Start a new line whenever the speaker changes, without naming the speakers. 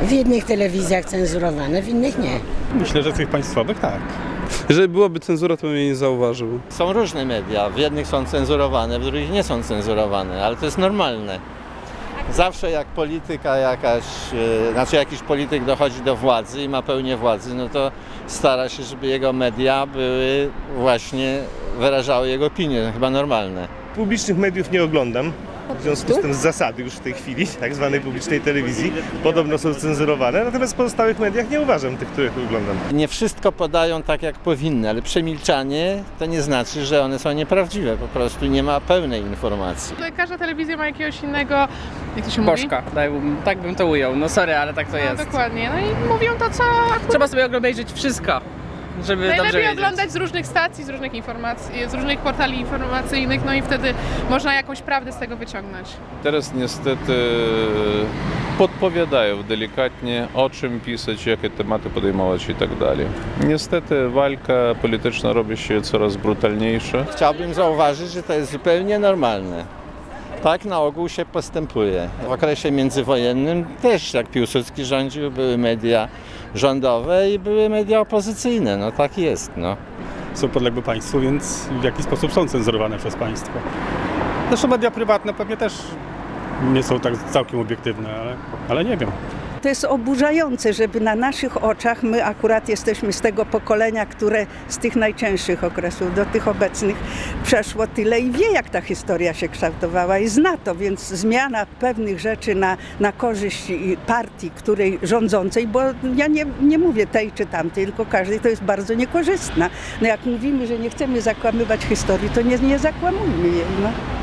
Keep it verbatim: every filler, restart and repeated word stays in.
W jednych telewizjach cenzurowane, w innych nie.
Myślę, że tych państwowych tak.
Jeżeli byłaby cenzura, to bym jej nie zauważył.
Są różne media, w jednych są cenzurowane, w drugich nie są cenzurowane, ale to jest normalne. Zawsze jak polityka jakaś, yy, znaczy jakiś polityk dochodzi do władzy i ma pełnię władzy, no to stara się, żeby jego media były właśnie, wyrażały jego opinie, to chyba normalne.
Publicznych mediów nie oglądam. W związku z tym z zasady już w tej chwili, tak zwanej publicznej telewizji, podobno są cenzurowane, natomiast w pozostałych mediach nie uważam tych, których oglądam.
Nie wszystko podają tak, jak powinny, ale przemilczanie to nie znaczy, że one są nieprawdziwe, po prostu nie ma pełnej informacji.
Każda telewizja ma jakiegoś innego, jak to się mówi?
Bożka, tak bym to ujął. No sorry, ale tak to
No,
jest.
dokładnie, no i mówią to, co akurat
Trzeba sobie obejrzeć wszystko, żeby dobrze
najlepiej
wiedzieć.
oglądać z różnych stacji, z różnych informacji, z różnych portali informacyjnych, no i wtedy można jakąś prawdę z tego wyciągnąć.
Teraz niestety podpowiadają delikatnie, o czym pisać, jakie tematy podejmować i tak dalej. Niestety walka polityczna robi się coraz brutalniejsza.
Chciałbym zauważyć, że to jest zupełnie normalne. Tak na ogół się postępuje. W okresie międzywojennym też, jak Piłsudski rządził, były media rządowe i były media opozycyjne. No tak jest, no.
Są podległe państwu, więc w jakiś sposób są cenzurowane przez państwo. Zresztą media prywatne pewnie też nie są tak całkiem obiektywne, ale, ale nie wiem.
To jest oburzające, żeby na naszych oczach, my akurat jesteśmy z tego pokolenia, które z tych najcięższych okresów do tych obecnych przeszło tyle i wie, jak ta historia się kształtowała i zna to, więc zmiana pewnych rzeczy na, na korzyść partii, której rządzącej, bo ja nie, nie mówię tej czy tamtej, tylko każdej, to jest bardzo niekorzystna. No jak mówimy, że nie chcemy zakłamywać historii, to nie, nie zakłamujmy jej. No.